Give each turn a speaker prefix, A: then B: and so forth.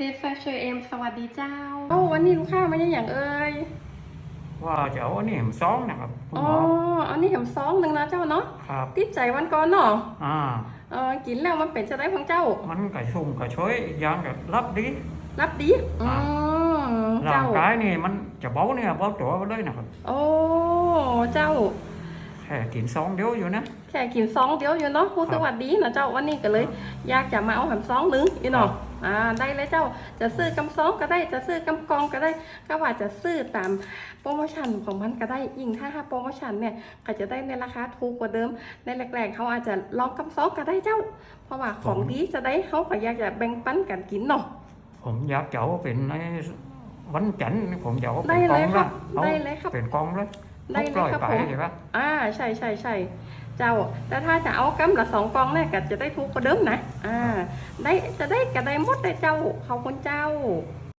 A: เพชรแฟชั่นเอ็มสวัสดีเจ้า
B: วันนี้ลูกค้ามาอย่างเอ่ย
C: ว่าจะเอาอันนี้แหมซ้องนะครับคุณหมอ
B: อันนี้แหมซ้องหนึ่งนะเจ้าเนาะ
C: ครับ
B: ติดใจวันก่อนเนาะ
C: อ่า
B: กินแล้วมันเป็นจะได้ของเจ้า
C: มันกระชุ่มกระชวยอีกอย่างก็รับดี
B: รับดี
C: ร่างกายนี่มันจะเบาเนี่ยเบาตัวไปเลยนะครับ
B: โอ้เจ้า
C: แค่กินซองเดียวอยู่นะ
B: แค่กินซองเดียวอยู่เนาะพูดสวัสดีนะเจ้าวันนี้ก็เลยอยากจะมาเอาแหมซองหนึ่งอีเนาะได้เลยเจ้าจะซื้อกำซองก็ได้จะซื้อกำกองก็ได้ก็ว่าจะซื้อตามโปรโมชั่นของมันก็ได้ยิ่งถ้าโปรโมชั่นเนี่ยก็จะได้ในราคาถูกกว่าเดิมในแรกๆเขาอาจจะลองกำซองก็ได้เจ้าเพราะว่าของดีจะได้เขาก็อยากจะแบ่งปันกันกินเนาะ
C: ผมอยากจะเอาเป็นในวันจันทร์ผมอยากเอาเป็นกองละ
B: ได้เลยครับ
C: เป็นกองเลย
B: ได้เลยครับผมใช่เจ้าแต่ถ้าจะเอากำละ2 กองเนี่ยก็จะได้ถูกกว่าเดิมนะได้จะได้กระไดหมดได้เจ้าขอบคุณเจ้า